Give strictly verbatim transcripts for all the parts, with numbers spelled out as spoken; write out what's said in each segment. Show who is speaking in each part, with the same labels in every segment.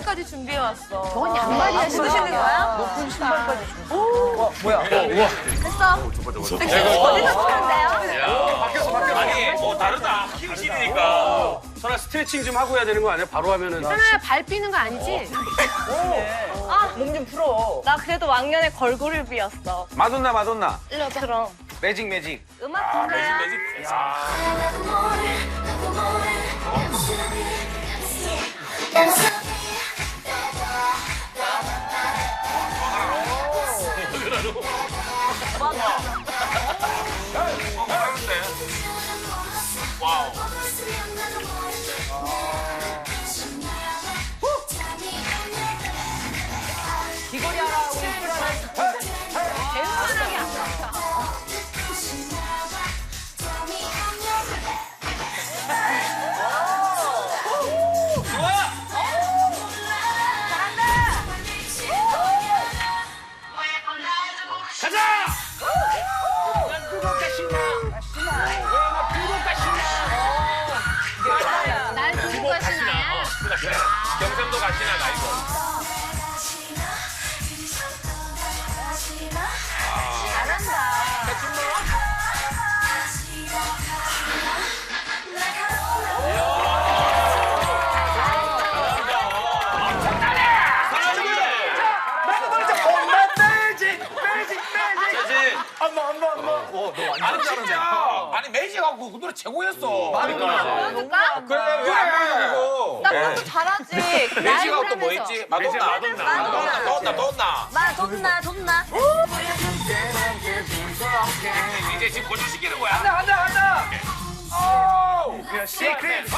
Speaker 1: 신발까지 준비해 왔어.
Speaker 2: 저건 양말이야,
Speaker 1: 신으시는 거야?
Speaker 2: 높은 신발까지.
Speaker 3: 어, 뭐야?
Speaker 4: 우와.
Speaker 1: 됐어. 어디서 추는데요?
Speaker 4: 바뀌었어, 바뀌었어. 아니, 뭐 다르다. 킹실이니까. 설아 스트레칭 좀 하고 해야 되는 거 아니야? 바로 하면은.
Speaker 2: 하나야 발 삐는 거 아니지?
Speaker 3: 몸 좀 풀어.
Speaker 1: 나 그래도 왕년에 걸그룹 비었어.
Speaker 5: 마돈나 마돈나
Speaker 1: 그럼.
Speaker 5: 매직 매직.
Speaker 1: 음악 듣나요?
Speaker 4: 매직. 와우.
Speaker 3: 귀걸이 하나, 우리 술 하나.
Speaker 2: 웬만하게 안 맞아.
Speaker 4: 가자! 난 그거가 신나. 신나. 왜나 그거가 신나.
Speaker 2: 난 그거가 신나야.
Speaker 4: 그래. 경상도 가시나 가 이거.
Speaker 5: 아니 진짜 아니 매직하고 그 노래 최고였어.
Speaker 1: 보여줄까?
Speaker 5: 그래 왜안 보여
Speaker 1: 나 그것도 잘하지.
Speaker 5: 매직하고 또 뭐 있지? 마돈나 마돈나 마돈나 마돈나 마돈나.
Speaker 1: 나 돈나 돈나.
Speaker 4: 이제 지금 고정시키는 거야.
Speaker 5: 간다 간다 간다. 오. 시크릿.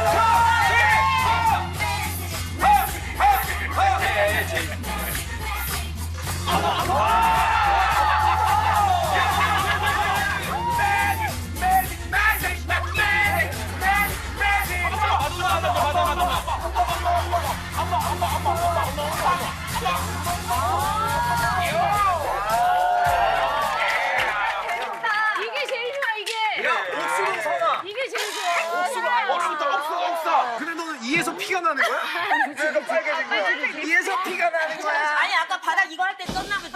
Speaker 2: 이게 제일 좋아, 이게.
Speaker 5: 옥수로 선아.
Speaker 2: 이게 제일 좋아.
Speaker 5: 옥수다 옥수 옥사. 근데 너는 이에서 피가 나는 거야? 그래서 빨개진 거야. 이에서 피가 나는 거야.
Speaker 1: 아니 아까 바닥 이거 할 때 썼나 보지.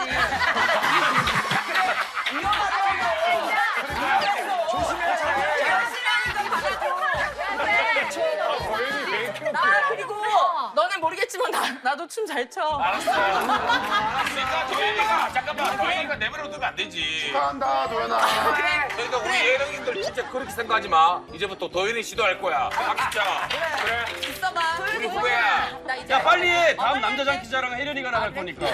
Speaker 1: 나 그리고 너는 모르겠지만 나 나도 춤 잘 춰.
Speaker 4: 알았어. 그러니까 도현이가 잠깐만 도현이가 내버려 두면 안 되지.
Speaker 5: 한다 도연아.
Speaker 4: 그러니까 우리 예능인들 진짜 그렇게 생각하지 마. 이제부터 도현이 시도할 거야. 박자. 그래.
Speaker 1: 있어봐.
Speaker 4: 우리 후배야.
Speaker 1: 나 이제.
Speaker 6: 야 빨리 해. 다음 남자 장기자랑 혜련이가 나갈 거니까.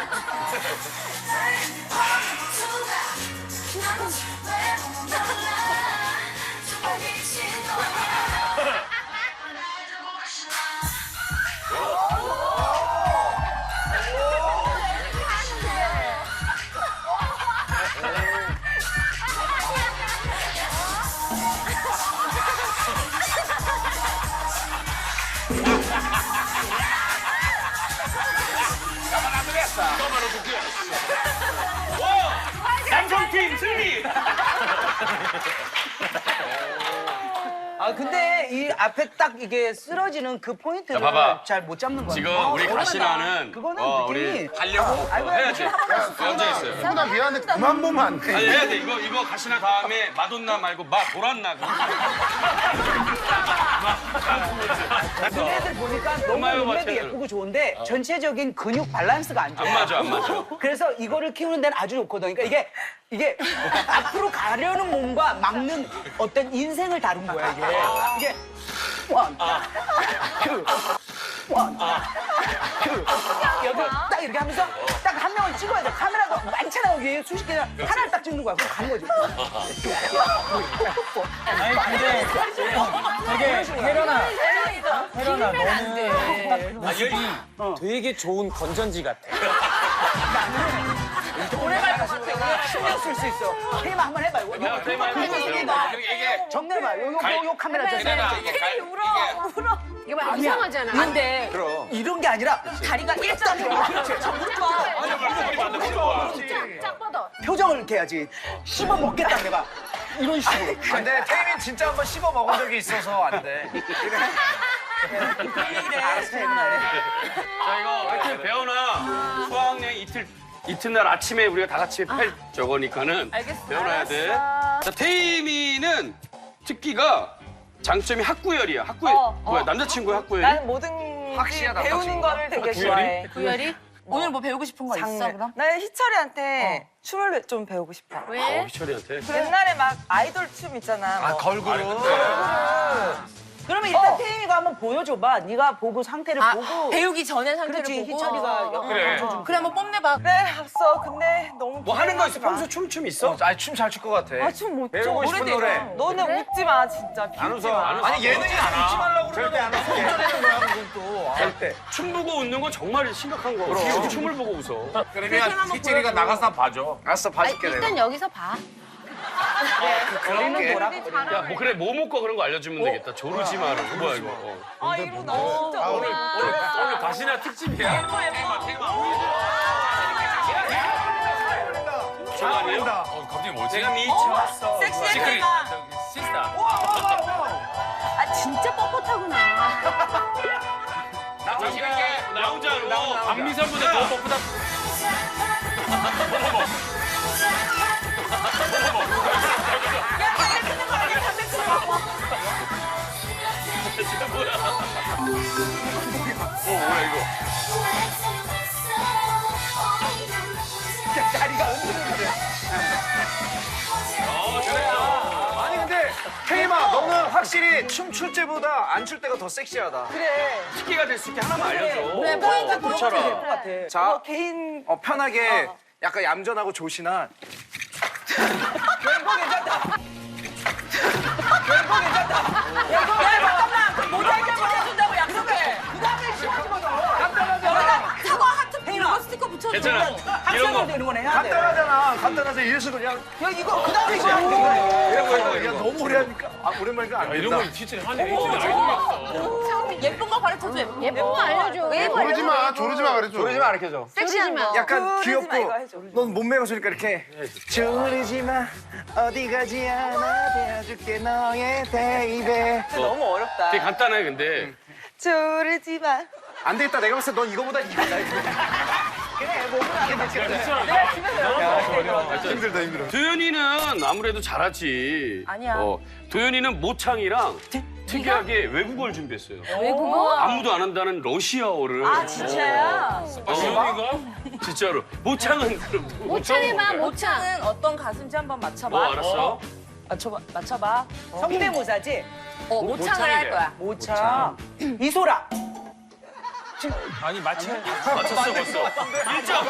Speaker 6: 남성팀 승리.
Speaker 3: 아 근데 이 앞에 딱 이게 쓰러지는 그 포인트를
Speaker 6: 자, 봐봐.
Speaker 3: 잘 못 잡는 거야.
Speaker 6: 지금
Speaker 3: 어,
Speaker 6: 우리
Speaker 3: 대단하다.
Speaker 6: 가시나는
Speaker 3: 그거는
Speaker 6: 어,
Speaker 3: 느낌이
Speaker 6: 우리 하려고
Speaker 3: 아이고,
Speaker 6: 해야지. 언제 있어요?
Speaker 5: 누나 미안해 그만 보면 안 돼.
Speaker 6: 아니 해야 돼. 이거 이거 가시나 다음에 마돈나 말고 마 도란나.
Speaker 3: 너네들 보니까 너무
Speaker 6: 고마워요,
Speaker 3: 몸매도
Speaker 6: 마찬가지로.
Speaker 3: 예쁘고 좋은데 전체적인 근육 밸런스가 안 좋아.
Speaker 6: 안 맞아, 안 맞아.
Speaker 3: 그래서 이거를 키우는 데는 아주 좋거든. 그러니까 이게 이게 앞으로 가려는 몸과 막는 어떤 인생을 다룬 거야 이게. 이게 원, 투, 원, 투. 여기 딱 이렇게 하면서 딱 한 명을 찍어야 돼. 카메라가 많잖아 여기 수십 개나 하나를 딱 찍는 거야. 그럼 가는 거지.
Speaker 7: 아니 근데 되게 혜련아 혜련아 너는 모습이 되게 좋은 건전지 같아.
Speaker 3: 오래 갈 것 같아. 신경 쓸 수 있어. 테이마 한번 해봐. 이거
Speaker 4: 내가 테이마 해보세요. 이게
Speaker 3: 정면 봐. 요, 요, 요, 요 카메라 저
Speaker 4: 내가 이게 갈
Speaker 1: 울어 울어.
Speaker 2: 이거 막 이상하잖아.
Speaker 3: 근데 이런 게 아니라
Speaker 1: 다리가 일자로.
Speaker 3: 그렇지.
Speaker 2: 짝 뻗어.
Speaker 3: 표정을 이렇게 해야지. 씹어 먹겠다 내가. 이런 식으로.
Speaker 5: 근데 태민 진짜 한번 씹어 먹은 적이 있어서 안 돼.
Speaker 3: 알았어, 해보나.
Speaker 6: 자 이거 하여튼 배워놔. 수학여행 이틀 이튿날 아침에 우리가 다 같이 펼 저거니까는
Speaker 1: 알겠어.
Speaker 6: 배워놔야 돼. 자 태임이는 특기가 장점이 학구열이야. 학구열
Speaker 1: 어,
Speaker 6: 뭐야
Speaker 1: 어.
Speaker 6: 남자친구야 학구열이?
Speaker 8: 나는 모든
Speaker 5: 확실하다,
Speaker 8: 배우는
Speaker 5: 확실하다.
Speaker 8: 거를 되게
Speaker 6: 구열이?
Speaker 8: 좋아해.
Speaker 1: 구열이? 오늘 뭐 배우고 싶은 거 있어
Speaker 8: 장르.
Speaker 1: 그럼?
Speaker 8: 나는 희철이한테 춤을 좀 배우고 싶어.
Speaker 2: 왜?
Speaker 6: 어, 희철이한테.
Speaker 8: 옛날에 막 아이돌 춤 있잖아.
Speaker 5: 아
Speaker 8: 뭐.
Speaker 5: 걸그룹.
Speaker 3: 그러면 일단
Speaker 8: 어.
Speaker 3: 태임이가 한번 보여줘봐. 네가 보고 상태를
Speaker 1: 아
Speaker 3: 보고.
Speaker 1: 배우기 전에 상태를
Speaker 3: 그렇지,
Speaker 1: 보고
Speaker 3: 희철이가
Speaker 4: 그래.
Speaker 3: 좀
Speaker 1: 그래 한번 뽐내봐.
Speaker 8: 그래 알았어. 근데 너무
Speaker 6: 뭐 하는 거 있어?
Speaker 8: 기대하지 마.
Speaker 6: 평소 춤춤 있어?
Speaker 5: 아니 춤 잘 출 것 같아.
Speaker 8: 아춤못 춰.
Speaker 5: 배우고 싶은 노래.
Speaker 8: 너는 웃지 마 진짜.
Speaker 6: 안
Speaker 8: 비웃지
Speaker 6: 웃어.
Speaker 8: 마.
Speaker 6: 안 웃어.
Speaker 5: 아니 예능이 웃지 말라고 그러면 안 웃어. 웃자는 거야 그건 또. 절대.
Speaker 6: 춤 보고 웃는 건 정말 심각한 거. 어떻게 춤을 보고 웃어?
Speaker 4: 그러면 희철이가 나가서 한번 봐줘.
Speaker 5: 알았어 봐줄게 내가.
Speaker 2: 일단 여기서 봐.
Speaker 5: 그런 게.
Speaker 6: 야, 뭐 그래 뭐 먹고 그런 거 알려주면 되겠다. 조르지 마라. 뭐야 이거? 어.
Speaker 8: 아 이거 나 진짜
Speaker 4: 오늘 오늘 오늘 가시나 특집이야. 테마 테마.
Speaker 6: 저 아니에요?
Speaker 4: 어 갑자기 뭐지?
Speaker 6: 제가 미쳐왔어.
Speaker 8: 섹시해
Speaker 4: 시크릿
Speaker 8: 보인다.
Speaker 4: 저기 시스타.
Speaker 2: 아 진짜 뻣뻣하구나.
Speaker 6: 나 자신 있게 나 혼자로.
Speaker 4: 박미선보다 더 popu다.
Speaker 6: 어 뭐야 이거?
Speaker 3: 다리가 흔들리네.
Speaker 6: 어 잘했어.
Speaker 5: 아니 근데 태임아 너는 확실히 춤 출 때보다 안 출 때가 더 섹시하다.
Speaker 8: 그래.
Speaker 6: 특기가 될 수 있게 하나만 알려줘.
Speaker 3: 그래, 포인트 포인트 될것 같아.
Speaker 5: 자
Speaker 8: 뭐 개인
Speaker 5: 어, 편하게 약간 얌전하고 조신한.
Speaker 3: 왼거 괜찮다. 왼거 괜찮다.
Speaker 1: 야 잠깐만 모자이크 붙여준다고 약속해. 그 다음에 심어주거든. 여기다 사과 하트 이거 스티커 붙여줘.
Speaker 6: 괜찮아. 이런
Speaker 3: 합성으로
Speaker 6: 거.
Speaker 3: 되는 거네. 해야 돼.
Speaker 5: 간단하잖아. 간단하서 이래서 그냥.
Speaker 3: 야 이거 그 다음에 이거 하는 거야.
Speaker 5: 이런 거 이거 야 너무 오래 하니까 아 오랜만이니까 안
Speaker 4: 이런
Speaker 5: 된다.
Speaker 4: 걸 희철이 하네. 희철이 알고 있어.
Speaker 1: 예쁜 거 가르쳐줘. 예쁜
Speaker 2: 예쁜 거 알려줘.
Speaker 9: 조르지 마, 조르지 마 그래 좀.
Speaker 5: 조르지 마 가르쳐줘.
Speaker 2: 섹시한 거.
Speaker 5: 약간
Speaker 8: 조르지 마,
Speaker 5: 귀엽고
Speaker 8: 이거 해줘.
Speaker 5: 넌 몸매가 좋으니까 이렇게 조르지 마 어디 가지 않아 대어줄게 너의 베이베.
Speaker 8: 너무 어렵다.
Speaker 6: 되게 간단해 근데.
Speaker 8: 조르지 마.
Speaker 5: 안 되겠다 내가 봤을 때 넌 이거보다 이거 나 그래 몸은 안 되겠다.
Speaker 8: 내가 집에서 연습할게.
Speaker 5: 힘들다 힘들어.
Speaker 6: 도현이는 아무래도 잘하지.
Speaker 1: 아니야.
Speaker 6: 어, 도현이는 모창이랑 특이하게 외국어를 준비했어요.
Speaker 2: 외국어?
Speaker 6: 아무도 안 한다는 러시아어를.
Speaker 8: 아 진짜야?
Speaker 6: 어,
Speaker 4: 지현이가?
Speaker 6: 진짜로. 모창은 그럼
Speaker 2: 모창해봐 모창.
Speaker 1: 모창은 어떤 가수인지 한번 맞춰봐.
Speaker 6: 뭐 알았어?
Speaker 1: 맞춰봐. 맞춰봐.
Speaker 3: 성대모사지.
Speaker 1: 어 모창을 할 거야.
Speaker 3: 모차. 이소라.
Speaker 7: 아니 마치
Speaker 6: 맞췄어 벌써. 일 점.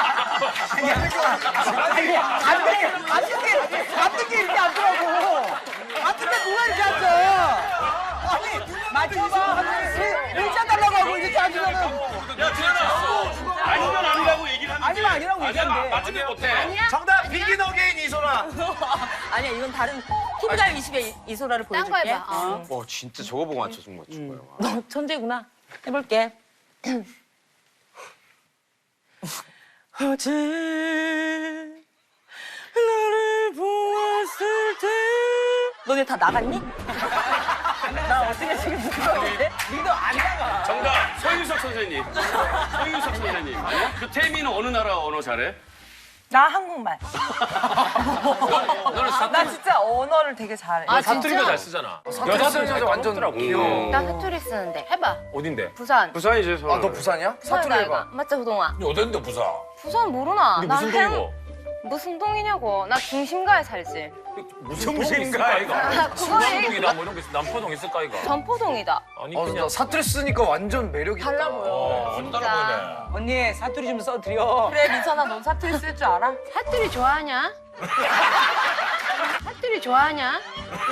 Speaker 3: 아니 안 돼. 안 듣게 안 듣게 이렇게 안 더라고. 안 듣게 누가 이렇게 앉아. 아니 맞춰봐. 일자 달라고 하고 이렇게 앉으면은
Speaker 6: 야 지현아. 아니면 아니라고 얘기를 하는데.
Speaker 3: 아니면 아니라고
Speaker 4: 아니야
Speaker 3: 얘기한대.
Speaker 4: 맞추지 못해.
Speaker 5: 정답 비긴 어게인 이소라.
Speaker 1: 아니야 이건 다른 티비가요 이십의 이소라를
Speaker 2: 딴 거
Speaker 1: 보여줄게.
Speaker 2: 해봐. 어.
Speaker 4: 와 진짜 저거 보고 맞춰준 맞춘 거야.
Speaker 1: 너 천재구나. 해볼게. 어제 너를 보았을 때 너네 다 나갔니? 나 어떻게 지금 무서운데?
Speaker 3: 니도 안 나가.
Speaker 6: 정답 서유석 선생님. 서유석 선생님. 아니야? 그 태민은 어느 나라 언어 잘해?
Speaker 8: 나 한국말.
Speaker 4: 너는 사
Speaker 8: 나 진짜 언어를 되게 잘해.
Speaker 2: 아
Speaker 4: 사투리도
Speaker 2: 진짜?
Speaker 4: 잘 쓰잖아. 여자들은 잘 완전 귀여워.
Speaker 2: 나 사투리 쓰는데 해봐.
Speaker 4: 어딘데?
Speaker 2: 부산.
Speaker 6: 부산이지 서울.
Speaker 5: 아 너 부산이야?
Speaker 2: 부산이다
Speaker 5: 사투리
Speaker 2: 이거.
Speaker 5: 해봐.
Speaker 2: 맞자 호동아.
Speaker 4: 어딘데 부산?
Speaker 2: 부산 모르나?
Speaker 4: 근데
Speaker 2: 나
Speaker 4: 무슨
Speaker 2: 행-
Speaker 4: 동이고?
Speaker 2: 무슨 동이냐고. 나 중심가에 살지.
Speaker 4: 무슨 동인가 이거?
Speaker 2: 아, 그거에
Speaker 4: 동이다 뭐 이런 거 있어. 남포동 있을까 이거?
Speaker 2: 전포동이다.
Speaker 4: 아니
Speaker 5: 어,
Speaker 4: 그냥
Speaker 5: 나 사투리 쓰니까 완전 매력 있다.
Speaker 1: 달라 보여.
Speaker 4: 어, 안
Speaker 2: 진짜.
Speaker 4: 따라 보이네.
Speaker 3: 언니 사투리 좀 써드려.
Speaker 1: 그래 민선아 넌 사투리 쓸 줄 알아?
Speaker 2: 사투리 좋아하냐? 사투리 좋아하냐?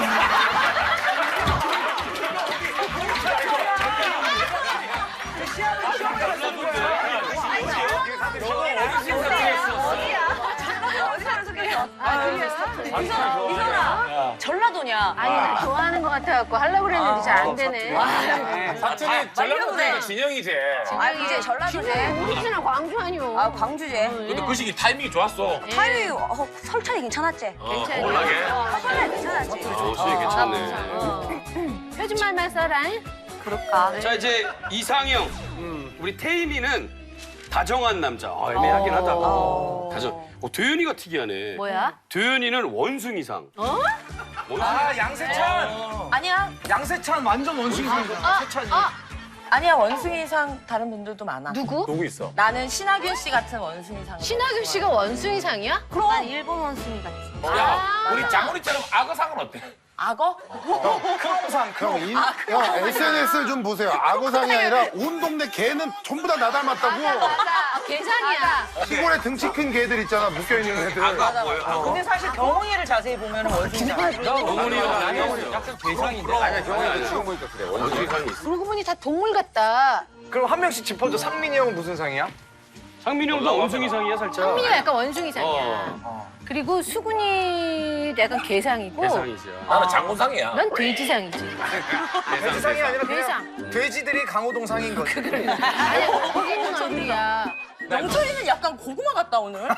Speaker 1: 민선아 전라도냐?
Speaker 2: 아니 나 좋아하는 거 같아갖고 하려고 그랬는데 잘 안 되네.
Speaker 4: 사투리 전라도니까 진영이지.
Speaker 1: 아 이제 전라도지.
Speaker 2: 우리는 광주 아니오.
Speaker 1: 아 광주지.
Speaker 4: 근데 그 시기 타이밍이 좋았어.
Speaker 1: 타이밍 어, 설찬이 괜찮았지?
Speaker 4: 어,
Speaker 2: 괜찮아.
Speaker 4: 올라게.
Speaker 1: 설찬이 괜찮았지?
Speaker 6: 어, 수익 괜찮네.
Speaker 2: 표준 말만 써라.
Speaker 8: 부를까?
Speaker 6: 자 이제 이상형. 우리 태임이는 다정한 남자. 아, 애매하긴 하다. 다정. 어, 도현이가 특이하네.
Speaker 2: 뭐야?
Speaker 6: 도현이는 원숭이상. 어?
Speaker 5: 아 양세찬.
Speaker 8: 아니야.
Speaker 5: 양세찬 완전 원숭이상이잖아. 세찬이.
Speaker 8: 아니야, 원숭이상 다른 분들도 많아.
Speaker 2: 누구?
Speaker 5: 누구 있어?
Speaker 8: 나는 신하균 씨 같은 원숭이상.
Speaker 2: 신하균 씨가 원숭이상이야?
Speaker 8: 그럼. 난 일본 원숭이 같지.
Speaker 4: 야, 우리 장훈이처럼 악어상은 어때?
Speaker 8: 악어?
Speaker 5: 크롱상.
Speaker 9: 형, 인, 형 에스엔에스를 좀 보세요. 악어상이 아니라 온 동네 개는 전부 다 나 닮았다고.
Speaker 2: 계산이야.
Speaker 9: 시골에 등치 큰 개들 있잖아, 묶여있는 애들.
Speaker 4: 악어 뭐예요? 악어.
Speaker 3: 근데 사실 경홍이를 자세히 보면 원숭이잖아.
Speaker 6: 경훈이가 아니야.
Speaker 7: 약간 괴상인데.
Speaker 4: 아니야, 경훈이 지금 보니까 그래.
Speaker 6: 원숭이상이 있어.
Speaker 2: 그러고 보니 다 동물 같다.
Speaker 5: 그럼 한 명씩 짚어줘. 상민이 형은 무슨 상이야?
Speaker 6: 상민이 형도 원숭이상이야 살짝.
Speaker 2: 상민이가 약간 원숭이상이야.
Speaker 6: 어.
Speaker 2: 그리고 수근이도 약간 개상이고.
Speaker 6: 대상이지.
Speaker 4: 나는 장군상이야.
Speaker 2: 난 돼지상이지.
Speaker 5: 돼지상이 아니라 그냥
Speaker 2: 돼지상.
Speaker 5: 돼지들이 강호동 상인 거지.
Speaker 2: 아니, 거기 있는 얼굴이야.
Speaker 8: 영철이는 약간 고구마 같다, 오늘.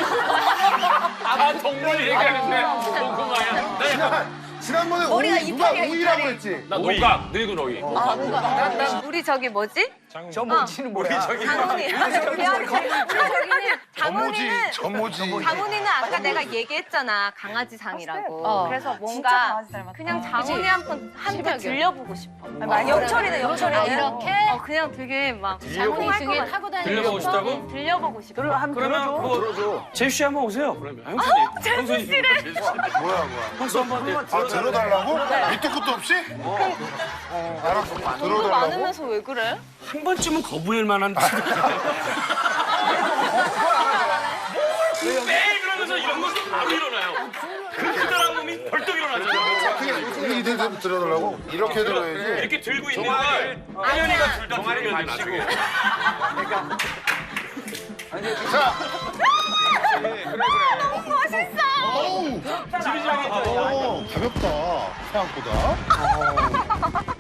Speaker 6: 아 동물 얘기하는데 고구마야. 나 약간
Speaker 9: 지난번에
Speaker 8: 머리가
Speaker 9: 오이, 누가
Speaker 8: 이빨이야,
Speaker 9: 오이라고
Speaker 8: 이빨이.
Speaker 9: 했지?
Speaker 6: 나 노각 늙은 오이.
Speaker 8: 우리 저기 뭐지?
Speaker 3: 저 뭉치는 뭐야?
Speaker 8: 장훈이.
Speaker 9: 저모지, 저모지.
Speaker 10: 장훈이는 아까 내가 얘기했잖아 강아지상이라고.
Speaker 2: 어.
Speaker 10: 그래서
Speaker 8: 진짜
Speaker 10: 뭔가
Speaker 8: 강아지 닮았다.
Speaker 10: 그냥 장훈이 한번 한테
Speaker 2: 실망이야.
Speaker 10: 들려보고 싶어.
Speaker 8: 아니, 영철이는 영철이는.
Speaker 2: 아, 이렇게?
Speaker 10: 어 그냥 되게 막
Speaker 2: 장훈이 중에 타고 다니는
Speaker 6: 들려보고
Speaker 2: 거.
Speaker 6: 싶다고?
Speaker 10: 들려보고 싶어.
Speaker 6: 그러면 뭐 제수 씨 한번 오세요. 그러면 형수님. 형수님. 제수 씨.
Speaker 9: 뭐야, 뭐야.
Speaker 6: 형수 한번 네.
Speaker 9: 아, 들어달라고? 밑도 끝도 없이? 어, 알았어. 들어달라고?
Speaker 10: 많으면서 왜 그래?
Speaker 6: 한 번쯤은 거부할 만한. 매일 그러면서 이런 것도 바로 일어나요. 그 크다란 놈이 벌떡 일어나잖아요.
Speaker 9: 이들 들어달라고? 이렇게 들어야지.
Speaker 6: 이렇게 들고 있는 걸 하연이가 둘 다 들으면 나중에.
Speaker 9: 자,
Speaker 10: 멋있어.
Speaker 6: 지리지리
Speaker 9: 어, 가볍다. 생각보다.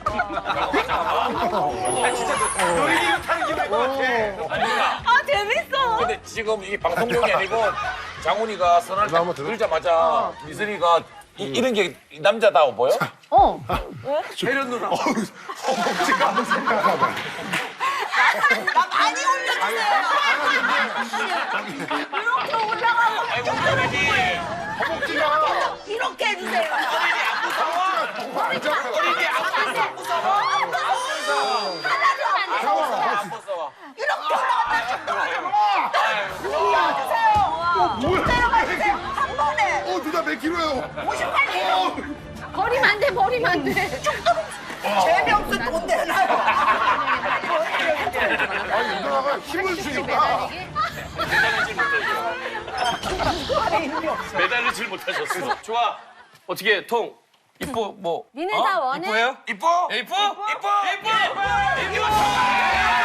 Speaker 5: 놀이기구 타는 기분일 것 같아.
Speaker 10: 아 재밌어.
Speaker 4: 근데 지금 이게 방송용이 아니고 장훈이가 선할 때
Speaker 9: 한번 들어?
Speaker 4: 들자마자 미선이가 이, 이런 게 남자다워 보여?
Speaker 2: 어.
Speaker 5: 혜련 누나.
Speaker 9: 허벅지가 잠깐만.
Speaker 8: 나 많이 올려주세요. 이렇게 올라가고
Speaker 4: 아이고, 우리
Speaker 9: 허벅지가.
Speaker 8: 이렇게 해주세요.
Speaker 4: 어린이 안 무서워.
Speaker 8: 하나도
Speaker 4: 안 무서워.
Speaker 8: 이렇게 올라가주세요.
Speaker 9: 뭐야?
Speaker 8: 내려가주세요. 한 번에.
Speaker 9: 어, 누나 몇 킬로예요?
Speaker 8: 오십팔 킬로.
Speaker 2: 버리면 안 돼, 버리면 안 돼.
Speaker 8: 재미없어 돈 내놔요.
Speaker 9: 아니, 누나가 힘을 주니까.
Speaker 6: 매달리질 못하셨어. 좋아. 어떻게 통 이뻐 뭐?
Speaker 2: 니네
Speaker 6: 어?
Speaker 2: 다 원해?
Speaker 6: 이뻐요?
Speaker 4: 이뻐?
Speaker 6: 예, 이뻐?
Speaker 4: 이뻐?
Speaker 6: 이뻐? 이뻐?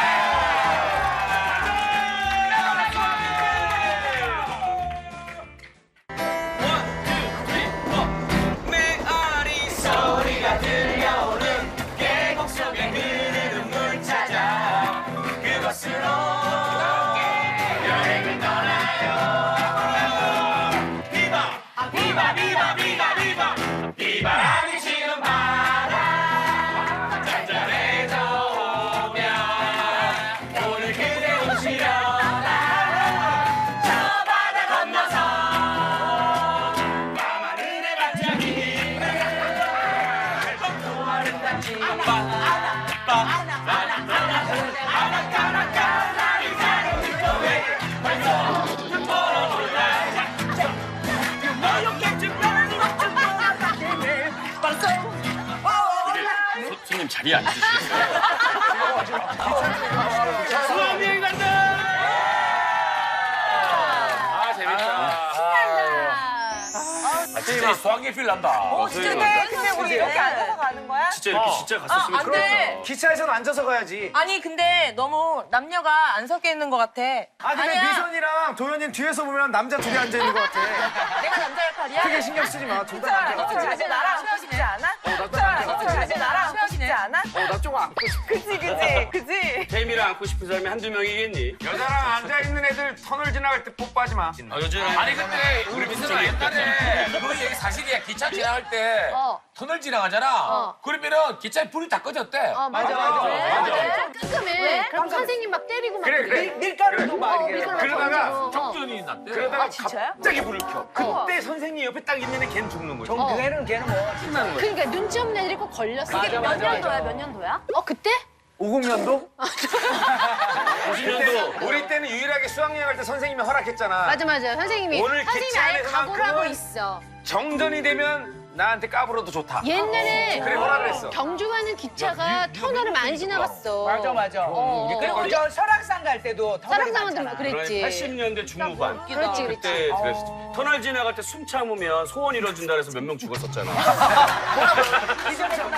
Speaker 6: 손님 자리에 앉으시겠어요? 수학여행 간다! 아 재밌다.
Speaker 4: 아, 진짜 수학여행 필 난다.
Speaker 8: 어, 진짜 근데, 근데 우리 이렇게 앉아서 가는 거야?
Speaker 6: 진짜 이렇게 진짜 갔었으면
Speaker 8: 아, 안 돼.
Speaker 5: 기차에서는 앉아서 가야지.
Speaker 8: 아니 근데 너무 남녀가 안 섞여 있는 것 같아.
Speaker 5: 아, 근데
Speaker 8: 아니야.
Speaker 5: 미선이랑 도현이는 뒤에서 보면 남자 둘이 앉아 있는 것 같아.
Speaker 8: 내가 남자 역할이야?
Speaker 5: 크게 신경 쓰지 마. 둘 다 남자
Speaker 8: 너
Speaker 5: 같아.
Speaker 8: 이제 나랑 수영 싶지 않아?
Speaker 5: 나도 남자
Speaker 8: 너
Speaker 5: 같아.
Speaker 8: 이제 나랑 수영 싶지 않아?
Speaker 5: 어, 나 조금 안고 싶어.
Speaker 8: 그치 그치 그치.
Speaker 6: 태임이랑 안고 싶은 사람이 한두 명이겠니?
Speaker 5: 여자랑 앉아있는 애들 터널 지나갈 때 뽀뽀하지 마.
Speaker 6: 아, 요즘
Speaker 4: 아니 근데 우리 미선아 옛날에 그 얘기 사실이야. 기차 지나갈 때
Speaker 2: 어.
Speaker 4: 터널 지나가잖아.
Speaker 2: 어.
Speaker 4: 그러면은 기차에 불이 다 꺼졌대.
Speaker 2: 어, 맞아, 맞아. 왜? 끔끔해. 그럼 선생님 막 때리고 막
Speaker 5: 그래, 그래.
Speaker 3: 밀- 밀가루도 막
Speaker 2: 어,
Speaker 3: 이렇게.
Speaker 2: 밀가루
Speaker 5: 그러다가
Speaker 2: 던지고. 어.
Speaker 4: 정전이 났대.
Speaker 5: 그러다가
Speaker 8: 진짜요?
Speaker 5: 갑자기 불을 켜. 그때 선생님 옆에 딱 있는 애 걔는 죽는 거지.
Speaker 3: 정 걔는 걔는 뭐
Speaker 5: 신나는 거지.
Speaker 2: 그러니까 눈치 없는 애들이 꼭 걸렸어.
Speaker 3: 맞아,
Speaker 2: 몇
Speaker 3: 맞아,
Speaker 2: 년도야,
Speaker 3: 맞아.
Speaker 2: 몇 년도야? 어, 그때?
Speaker 5: 오십 년도?
Speaker 6: 오십 년도.
Speaker 5: 우리 때는 유일하게 수학여행 갈 때 선생님이 허락했잖아.
Speaker 2: 맞아, 맞아. 선생님이.
Speaker 5: 오늘
Speaker 2: 선생님이
Speaker 5: 기차
Speaker 2: 아예
Speaker 5: 안에서만
Speaker 2: 각오를 하고
Speaker 5: 그건-
Speaker 2: 있어.
Speaker 5: 정전이 되면 나한테 까불어도 좋다.
Speaker 2: 옛날에
Speaker 5: 그래 허락을 했어.
Speaker 2: 경주 가는 기차가 터널을 많이 지나갔어.
Speaker 3: 맞아 맞아.
Speaker 2: 어.
Speaker 3: 그리고 저 설악산 갈 때도 터널이
Speaker 2: 사랑사람들
Speaker 3: 많잖아.
Speaker 2: 그랬지.
Speaker 6: 팔십 년대 중후반.
Speaker 2: 그렇지, 그렇지.
Speaker 6: 그때 그랬어. 터널 지나갈 때 숨 참으면 소원 이뤄진다 그래서 몇 명 죽었었잖아.
Speaker 3: 기존에 전화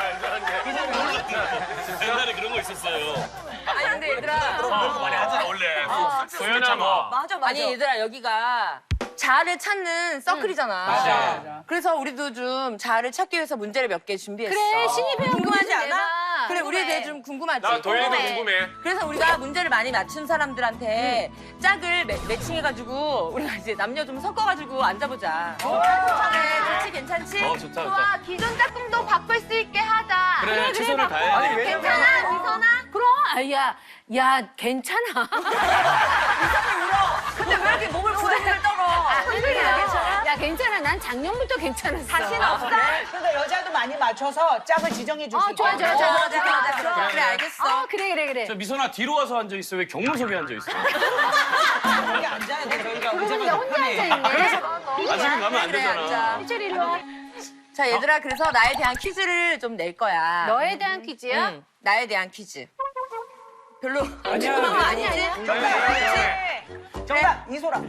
Speaker 6: 옛날에 그런 거 있었어요.
Speaker 8: 아니 근데 얘들아.
Speaker 4: 그런 거 많이 하잖아 원래.
Speaker 7: 소연아 뭐.
Speaker 8: 맞아 맞아. 아니 얘들아 여기가 자아를 찾는 서클이잖아.
Speaker 3: 맞아.
Speaker 8: 그래서 우리도 좀 자아를 찾기 위해서 문제를 몇 개 준비했어.
Speaker 2: 그래, 신입 회원
Speaker 8: 궁금하지
Speaker 2: 문제
Speaker 8: 않아?
Speaker 2: 내봐.
Speaker 8: 그래 우리에
Speaker 2: 궁금해.
Speaker 8: 대해 좀 궁금하지.
Speaker 4: 나 도현이도
Speaker 2: 궁금해.
Speaker 4: 궁금해.
Speaker 8: 그래서 우리가 문제를 많이 맞춘 사람들한테 짝을 매, 매칭해가지고 우리가 이제 남녀 좀 섞어가지고 앉아보자. 그래, 좋지 괜찮지?
Speaker 6: 어 좋다 좋다.
Speaker 2: 좋아, 기존 짝꿍도 바꿀 수 있게 하자.
Speaker 6: 그래 최선을 다해.
Speaker 5: 아니 왜냐면
Speaker 2: 괜찮아, 미선아? 그럼, 아, 야, 야, 괜찮아.
Speaker 8: 근데 왜 이렇게 몸을 부들부들 떨어?
Speaker 2: 아, 그래요? 야, 괜찮아. 난 작년부터 괜찮았어.
Speaker 8: 자신 없어?
Speaker 3: 그러니까 여자도 많이 맞춰서 짝을 지정해 줄 수
Speaker 2: 어,
Speaker 3: 있게.
Speaker 2: 좋아, 좋아,
Speaker 8: 어,
Speaker 2: 좋아.
Speaker 8: 맞아, 맞아. 그럼 그래 알겠어.
Speaker 2: 어, 그래, 그래, 그래.
Speaker 6: 저 미선아 뒤로 와서 앉아 있어. 왜 경무석에 앉아 있어?
Speaker 3: 여기 앉아야 돼. 저희가
Speaker 2: 그러고
Speaker 3: 의자가
Speaker 2: 보니까 혼자 앉아있네.
Speaker 6: 아직은 가면 안
Speaker 8: 그래,
Speaker 6: 되잖아.
Speaker 8: 앉아.
Speaker 2: 희철 이리 와.
Speaker 8: 자 얘들아 그래서 나에 대한 퀴즈를 좀 낼 거야.
Speaker 2: 너에 대한 퀴즈야?
Speaker 8: 응, 나에 대한 퀴즈. 별로
Speaker 3: 아니야.
Speaker 8: 그런 거 아니지?
Speaker 3: 정답 이소라.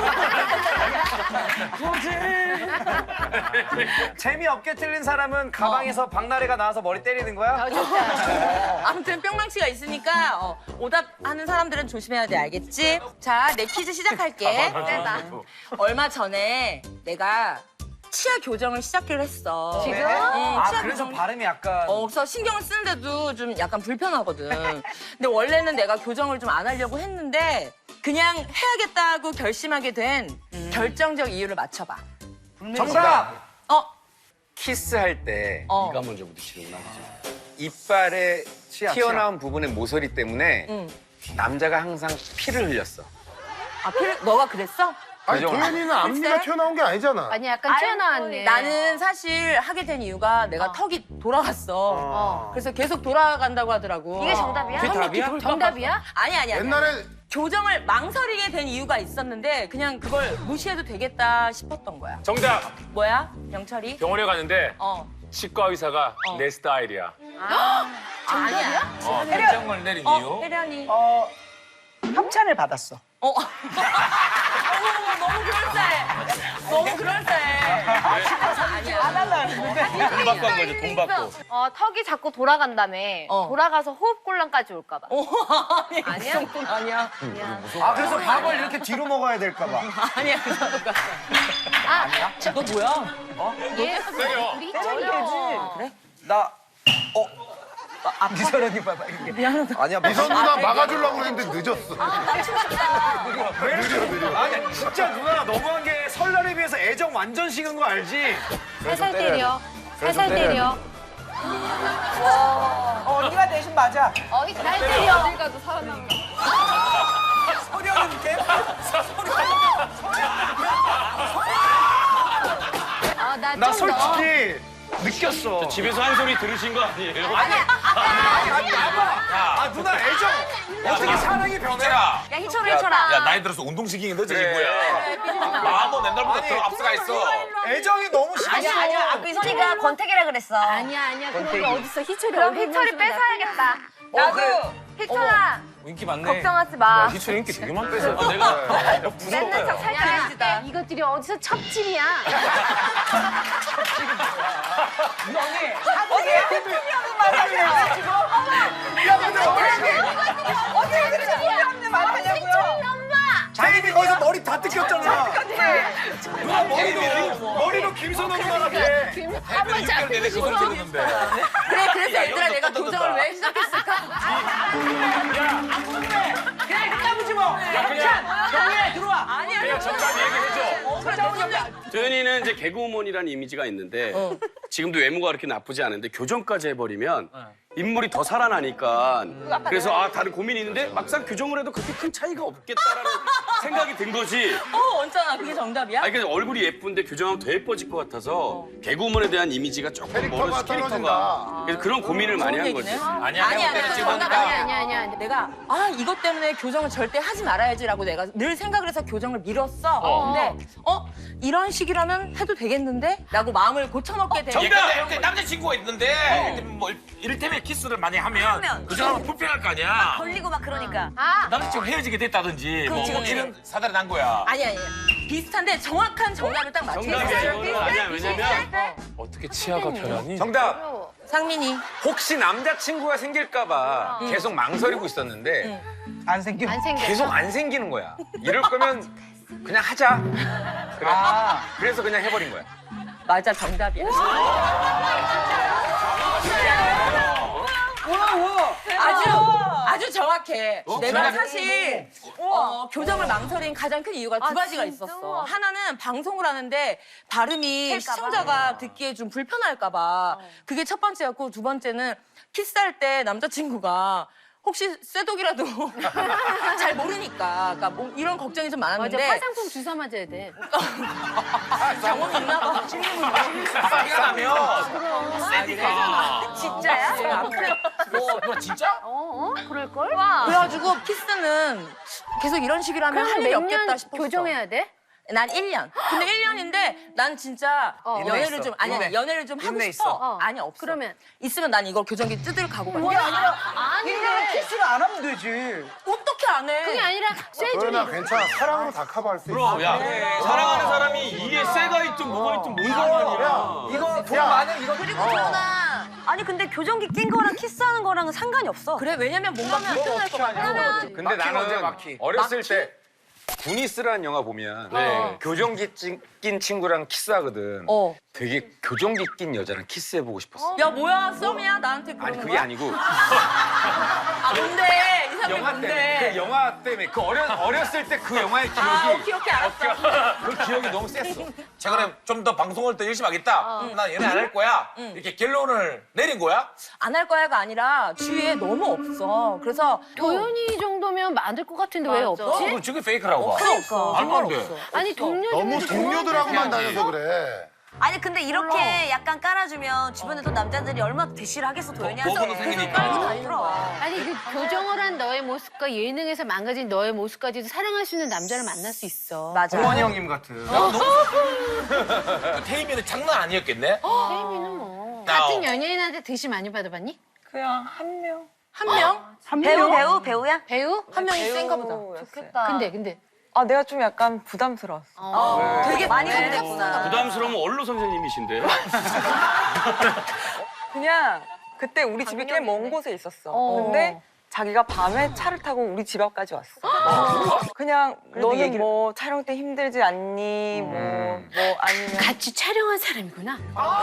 Speaker 5: 재미없게 틀린 사람은 가방에서 박나래가 나와서 머리 때리는 거야?
Speaker 2: 어, 좋다.
Speaker 8: 아무튼 뿅망치가 있으니까 어, 오답하는 사람들은 조심해야 돼 알겠지? 자 내 퀴즈 시작할게.
Speaker 2: 내봐.
Speaker 8: 얼마 전에 내가 치아 교정을 시작을 했어.
Speaker 2: 지금?
Speaker 8: 응,
Speaker 5: 아
Speaker 8: 치아
Speaker 5: 그래서
Speaker 8: 교정.
Speaker 5: 발음이 약간
Speaker 8: 어, 그래서 신경을 쓰는데도 좀 약간 불편하거든. 근데 원래는 내가 교정을 좀 안 하려고 했는데 그냥 해야겠다고 결심하게 된 결정적 이유를 맞춰봐.
Speaker 5: 정답!
Speaker 8: 어,
Speaker 5: 키스할 때
Speaker 8: 어.
Speaker 6: 네가 먼저 부딪히는구나. 그치?
Speaker 5: 이빨에
Speaker 3: 치아,
Speaker 5: 튀어나온 부분의 모서리 때문에
Speaker 8: 응.
Speaker 5: 남자가 항상 피를 흘렸어.
Speaker 8: 아, 필, 너가 그랬어?
Speaker 9: 아니
Speaker 5: 그죠?
Speaker 9: 도현이는 앞니가
Speaker 8: 글쎄?
Speaker 9: 튀어나온 게 아니잖아.
Speaker 2: 아니, 약간 튀어나왔네.
Speaker 8: 나는 사실 하게 된 이유가 내가 턱이 돌아갔어.
Speaker 2: 어.
Speaker 8: 그래서 계속 돌아간다고 하더라고.
Speaker 2: 이게 정답이야?
Speaker 5: 답이야?
Speaker 2: 정답이야?
Speaker 8: 아니, 아니, 아니.
Speaker 9: 옛날에
Speaker 8: 교정을 망설이게 된 이유가 있었는데 그냥 그걸 무시해도 되겠다 싶었던 거야.
Speaker 4: 정답.
Speaker 8: 뭐야? 영철이?
Speaker 4: 병원에 갔는데
Speaker 8: 어.
Speaker 4: 치과 의사가
Speaker 8: 어.
Speaker 4: 내 스타일이야.
Speaker 8: 아니야?
Speaker 4: 어, 결정을 내린
Speaker 8: 어,
Speaker 4: 이유.
Speaker 8: 혜련이.
Speaker 3: 어 협찬을 받았어.
Speaker 8: 어. 어머, 너무 그럴싸해. 너무 그럴싸해. 아니야.
Speaker 3: 안 할라 했는데.
Speaker 6: 돈 받고 한 거지 돈 받고.
Speaker 2: 어, 턱이 자꾸 돌아간다며.
Speaker 8: 어.
Speaker 2: 돌아가서 호흡곤란까지 올까봐.
Speaker 8: 어, 아니,
Speaker 2: 아니야?
Speaker 8: 그 정도는 아니야.
Speaker 5: 아 그래서 밥을 이렇게 뒤로 먹어야 될까 봐.
Speaker 8: 아니야, 그 정도가.
Speaker 2: 아,
Speaker 8: 너 뭐야?
Speaker 2: 얘,
Speaker 4: 세요.
Speaker 2: 우리 희철이 어려워.
Speaker 8: 그래?
Speaker 5: 나
Speaker 3: 아, 미소라니 봐봐 이렇게.
Speaker 5: 아니야
Speaker 9: 미선 누나 막아주려고 했는데 늦었어.
Speaker 5: 왜 느려 느려. 아니 진짜 누나 너무한 게 설날에 비해서 애정 완전 식은 거 알지?
Speaker 2: 살살 때려. 살살 때려.
Speaker 3: 어, 언니가 대신 맞아.
Speaker 2: 어, 날 때려. 어딜 가도
Speaker 3: 소리는 개.
Speaker 2: 아,
Speaker 5: 나
Speaker 2: 나좀
Speaker 5: 솔직히 느꼈어.
Speaker 6: 집에서 한 소리 들으신 거 아니에요?
Speaker 5: 아니 봐봐. 아 누나 애정 어떻게 사랑이 변해?
Speaker 4: 있잖아.
Speaker 2: 야, 희철아, 희철아.
Speaker 4: 야 나이 들어서 운동시키기 늦어진 거야. 마음은 옛날부터
Speaker 5: 아니,
Speaker 4: 더 앞서가 있어.
Speaker 5: 애정이 너무 심했어.
Speaker 2: 아니야, 아니야. 아까
Speaker 10: 희철이가 권태기라 그랬어.
Speaker 2: 아니야, 아니야. 그런 게 어딨어. 희철이
Speaker 10: 그럼
Speaker 2: 얼굴
Speaker 10: 희철이
Speaker 2: 보여주면
Speaker 10: 뺏어야겠다.
Speaker 8: 나도.
Speaker 10: 희철아,
Speaker 7: 인기 많네.
Speaker 10: 걱정하지 마.
Speaker 7: 희철 인기 되게 많다.
Speaker 6: 내가
Speaker 10: 뺏는 척 살짝
Speaker 2: 야, 이것들이 어디서 첩질이야.
Speaker 3: 언니 사고에 틀렸는 말 하냐고 지금. 야 근데 어떻게 그렇게 틀렸는 말 하냐고요.
Speaker 5: 자기이 거기서 머리 다 뜯겼잖아. 누나 머리도 머리도 김선호 누나 같아.
Speaker 2: 한번
Speaker 4: 육 개월 내내 그걸 들었는데.
Speaker 8: 그래, 그래서 얘들아 내가 교정을 왜 시작했을까?
Speaker 3: 그냥 끝나보지 뭐. 협찬 정리해 들어와.
Speaker 8: 아니야.
Speaker 4: 그냥 정답 얘기해줘.
Speaker 8: 어, 그래, 너무 좋네.
Speaker 6: 도현이는 이제 개그우먼이라는 이미지가 있는데 지금도 외모가 그렇게 나쁘지 않은데 교정까지 해버리면 인물이 더 살아나니까 그래서 아 다른 고민이 있는데 막상 교정을 해도 그렇게 큰 차이가 없겠다라는 생각이 든 거지.
Speaker 8: 어, 언짢아. 그게 정답이야?
Speaker 6: 아니 그러니까 얼굴이 예쁜데 교정하면 더 예뻐질 것 같아서 개그우먼에 대한 이미지가 조금
Speaker 9: 캐릭터가
Speaker 6: 멀어서 캐릭터가
Speaker 9: 떨어진다.
Speaker 6: 그래서 그런 고민을 많이 한 거지.
Speaker 4: 아니야,
Speaker 8: 아니야,
Speaker 4: 내가
Speaker 8: 내가
Speaker 4: 지금
Speaker 8: 정답
Speaker 2: 아니야,
Speaker 8: 아니야.
Speaker 2: 아니야, 아니야, 아니야.
Speaker 8: 내가 아 이것 때문에 교정을 절대 하지 말아야지라고 내가 늘 생각을 해서 교정을 미뤘어. 근데 어 이런 식이라면 해도 되겠는데? 라고 마음을 고쳐먹게 돼.
Speaker 4: 정답! 근데 남자친구가 있는데 뭐 이를테면 키스를 많이 하면 그 사람은 불편할 거 아니야.
Speaker 10: 걸리고 막 그러니까.
Speaker 2: 아,
Speaker 4: 남자친구 헤어지게 됐다든지 뭐
Speaker 8: 그렇지, 그렇지.
Speaker 4: 이런 사달이 난 거야.
Speaker 8: 아니 아니 비슷한데 정확한 정답을 딱 맞춰야
Speaker 6: 정답이
Speaker 8: 돼.
Speaker 6: 이거는 아니야. 왜냐면
Speaker 7: 어떻게 치아가 변하니?
Speaker 5: 정답.
Speaker 8: 상민이
Speaker 5: 혹시 남자친구가 생길까봐 계속 망설이고 있었는데
Speaker 3: 안 생겨.
Speaker 2: 안 생겨.
Speaker 5: 계속 안 생기는 거야. 이럴 거면 그냥 하자. 그래.
Speaker 3: 아.
Speaker 5: 그래서 그냥 해버린 거야.
Speaker 8: 맞아 정답이야. 아주 아주 정확해. 내가 사실 어, 교정을 망설인 가장 큰 이유가 두
Speaker 10: 아,
Speaker 8: 가지가
Speaker 10: 진짜?
Speaker 8: 있었어. 하나는 방송을 하는데 발음이
Speaker 10: 튈까 봐.
Speaker 8: 시청자가 듣기에 좀 불편할까봐 그게 첫 번째였고 두 번째는 키스할 때 남자친구가 혹시 쇠독이라도 잘 모르니까 그러니까 뭐 이런 걱정이 좀
Speaker 2: 맞아,
Speaker 8: 많았는데
Speaker 2: 화장품 주사 맞아야 돼.
Speaker 8: 경험이 있나 봐.
Speaker 4: 피가 나면 세니까.
Speaker 10: 진짜야?
Speaker 8: 네, 아프네.
Speaker 4: 뭐, 너 진짜?
Speaker 2: 어, 어? 그럴걸?
Speaker 8: 그래가지고 키스는 계속 이런 식이라면 할 일이
Speaker 2: 그럼 몇
Speaker 8: 없겠다
Speaker 2: 년
Speaker 8: 싶었어.
Speaker 2: 교정해야 돼?
Speaker 8: 난 일 년. 근데 일 년인데 난 진짜
Speaker 2: 어.
Speaker 8: 연애를
Speaker 5: 있어.
Speaker 8: 좀 아니 아니
Speaker 5: 인내.
Speaker 8: 연애를 좀 하고
Speaker 5: 인내
Speaker 8: 싶어.
Speaker 5: 있어.
Speaker 2: 어.
Speaker 8: 아니 없어.
Speaker 2: 그러면?
Speaker 8: 있으면 난 이거 교정기 뜯을 각오가
Speaker 3: 그게
Speaker 8: 있어.
Speaker 3: 아니라
Speaker 2: 아니,
Speaker 3: 일 년을 키스를 안 하면 되지.
Speaker 8: 어떻게 안 해?
Speaker 2: 그게 아니라 쇠줄이.
Speaker 9: 도현아 괜찮아. 사랑으로 다 커버할 수 있어.
Speaker 6: 그럼 야 사랑하는 사람이 이에 쇠가 있든 뭐가 있든 뭔 상관이야.
Speaker 3: 이거 돈 많은 이거
Speaker 10: 그리고 전화. 아니 근데 교정기 낀 거랑 키스하는 거랑은 상관이 없어.
Speaker 8: 그래 왜냐면 뭔가 불편할 것 같아.
Speaker 5: 근데
Speaker 9: 막힌 언제,
Speaker 5: 나는
Speaker 9: 막힌?
Speaker 5: 어렸을 때 구니스라는 영화 보면
Speaker 8: 네.
Speaker 5: 교정기 찐- 낀 친구랑 키스하거든.
Speaker 8: 어.
Speaker 5: 되게 교정기 낀 여자랑 키스해보고 싶었어.
Speaker 8: 야 뭐야 썸이야 나한테 그러는
Speaker 5: 아니 그게
Speaker 8: 거야?
Speaker 5: 아니고
Speaker 8: 아 뭔데 이 사람이
Speaker 5: 영화 때문에
Speaker 8: 뭔데?
Speaker 5: 그 영화 때문에 그 어려, 어렸을 때 그 영화의 기억이
Speaker 8: 아 오케이 오케이 알았어.
Speaker 5: 그 기억이 너무 셌어.
Speaker 4: 최근에 좀 더 방송을 더 열심히 하겠다. 난 연애 안 할 거야. 이렇게 결론을 내린 거야?
Speaker 8: 안 할 거야가 아니라 주위에 너무 없어. 그래서
Speaker 2: 도현이 정도면 많을 것 같은데 왜
Speaker 8: 맞아.
Speaker 2: 없지?
Speaker 4: 그걸 저게 페이크라고 봐.
Speaker 8: 그러니까
Speaker 4: 말도 안
Speaker 8: 정말
Speaker 4: 돼.
Speaker 8: 없어.
Speaker 2: 아니 동료
Speaker 9: 너무
Speaker 2: 중에서
Speaker 9: 동료들하고만
Speaker 4: 좋아하는
Speaker 9: 다녀서 그래.
Speaker 10: 아니 근데 이렇게 약간 깔아주면 주변에 또 남자들이 얼마나 대시를 하겠어 도현이한테.
Speaker 4: 보고는 생기니까.
Speaker 2: 아니 그 교정을 한 너의 모습과 예능에서 망가진 너의 모습까지도 사랑할 수 있는 남자를 만날 수 있어.
Speaker 10: 맞아.
Speaker 5: 동원이 형님 같은.
Speaker 4: 그 태희미는 장난 아니었겠네?
Speaker 2: 혜미는 뭐
Speaker 4: 나-
Speaker 2: 같은 연예인한테 대시 많이 받아봤니?
Speaker 8: 그냥 한 명. 한 명?
Speaker 10: 배우 배우 배우야?
Speaker 2: 배우?
Speaker 8: 한 명이 센가 보다.
Speaker 10: 좋겠다.
Speaker 2: 근데 근데
Speaker 1: 아 내가 좀 약간 부담스러웠어.
Speaker 2: 어.
Speaker 8: 되게
Speaker 10: 많이
Speaker 8: 네.
Speaker 10: 힘들구나.
Speaker 6: 부담스러우면 원로 선생님이신데.
Speaker 1: 그냥 그때 우리 집이 꽤 먼 곳에 있었어.
Speaker 2: 어.
Speaker 1: 근데 자기가 밤에 차를 타고 우리 집 앞까지 왔어. 그냥 너는
Speaker 8: 얘기를-
Speaker 1: 뭐 촬영 때 힘들지 않니? 뭐, 뭐 아니면
Speaker 2: 같이 촬영한 사람이구나.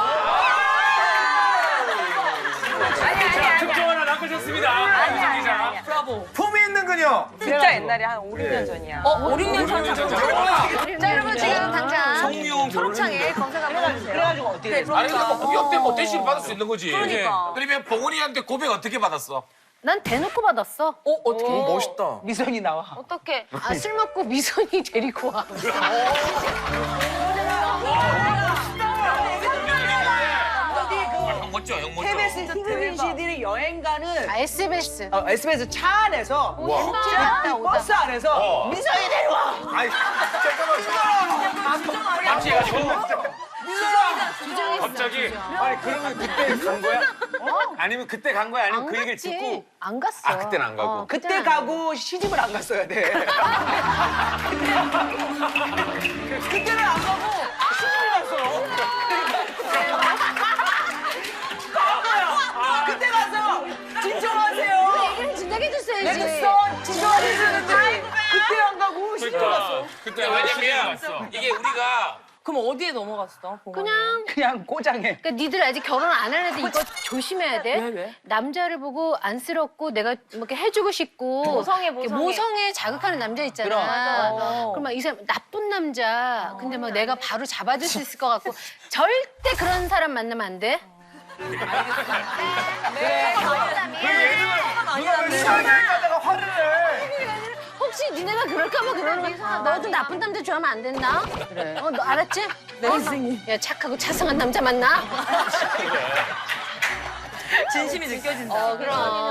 Speaker 6: 특종 하나 낚으셨습니다.
Speaker 10: 아니야 아니야 아니야.
Speaker 8: 브라보.
Speaker 5: 품이 있는 그녀.
Speaker 1: 진짜 옛날에 한 오, 육 년 전이야.
Speaker 8: 어, 오, 육 년 전.
Speaker 2: 자 여러분 지금 당장
Speaker 6: 성룡
Speaker 10: 초록창에 검색 한번 해주세요.
Speaker 3: 그래가지고 어떻게 됐어?
Speaker 4: 아니 근데 뭐 고백 때뭐 대시를 받을 수 있는 거지.
Speaker 10: 그러니까.
Speaker 4: 그러면 봉훈이한테 고백 어떻게 받았어?
Speaker 2: 난 대놓고 받았어.
Speaker 8: 어, 어떻게?
Speaker 5: 멋있다.
Speaker 3: 미선이 나와.
Speaker 2: 어떻게? 아, 술 먹고 미선이 데리고 와.
Speaker 4: 형 멋져, 형 멋져.
Speaker 3: 케이비에스 희극인 씨들이 여행 가는
Speaker 2: 아, 에스비에스.
Speaker 3: 어, 에스비에스 차 안에서
Speaker 2: 오다
Speaker 3: 이
Speaker 2: 오다.
Speaker 3: 버스 안에서
Speaker 4: 어.
Speaker 3: 미선이 데려와.
Speaker 5: 아니 잠깐만.
Speaker 6: 같이 해가지고.
Speaker 2: 갑자기.
Speaker 5: 아니 그러면 그때 간 거야? 아니면 그때 간 거야? 아니면
Speaker 2: 안
Speaker 5: 그 얘기를
Speaker 2: 갔지.
Speaker 5: 듣고?
Speaker 2: 안 갔어.
Speaker 5: 아, 그때는 안 가고.
Speaker 3: 그때 가고 시집을 안 갔어야 돼. 그때는 안 가고 시집을 갔어. 그때 가서 진정하세요.
Speaker 2: 얘기를 진작에 해줬어야지.
Speaker 3: 내가 진정하세요. 그때 안 가고 시집을 갔어.
Speaker 4: 그때 왜냐면 이게 우리가
Speaker 8: 그럼 어디에 넘어갔어? 봉황이?
Speaker 2: 그냥
Speaker 3: 그냥 꼬장해.
Speaker 2: 그러니까 니들 아직 결혼 안 한 애들 이거 조심해야 돼.
Speaker 8: 왜, 왜?
Speaker 2: 남자를 보고 안쓰럽고 내가 뭐 이렇게 해주고 싶고
Speaker 10: 모성애,
Speaker 2: 이렇게
Speaker 10: 모성애.
Speaker 2: 모성애 자극하는 남자 있잖아.
Speaker 3: 그럼.
Speaker 8: 맞아.
Speaker 2: 그럼 막 이 사람 나쁜 남자. 근데 막 내가 바로 잡아줄 수 있을 것 같고 절대 그런 사람 만나면 안 돼.
Speaker 5: 시원하다가 화를 내.
Speaker 2: 혹시 니네가 그럴까봐 그러는 거야. 너도 나쁜 남자 좋아하면 안 된다. 그래. 어, 너 알았지?
Speaker 8: 네, 선생님.
Speaker 2: 야 착하고 차성한 남자 만나.
Speaker 8: 진심이 느껴진다.
Speaker 2: 어 그럼.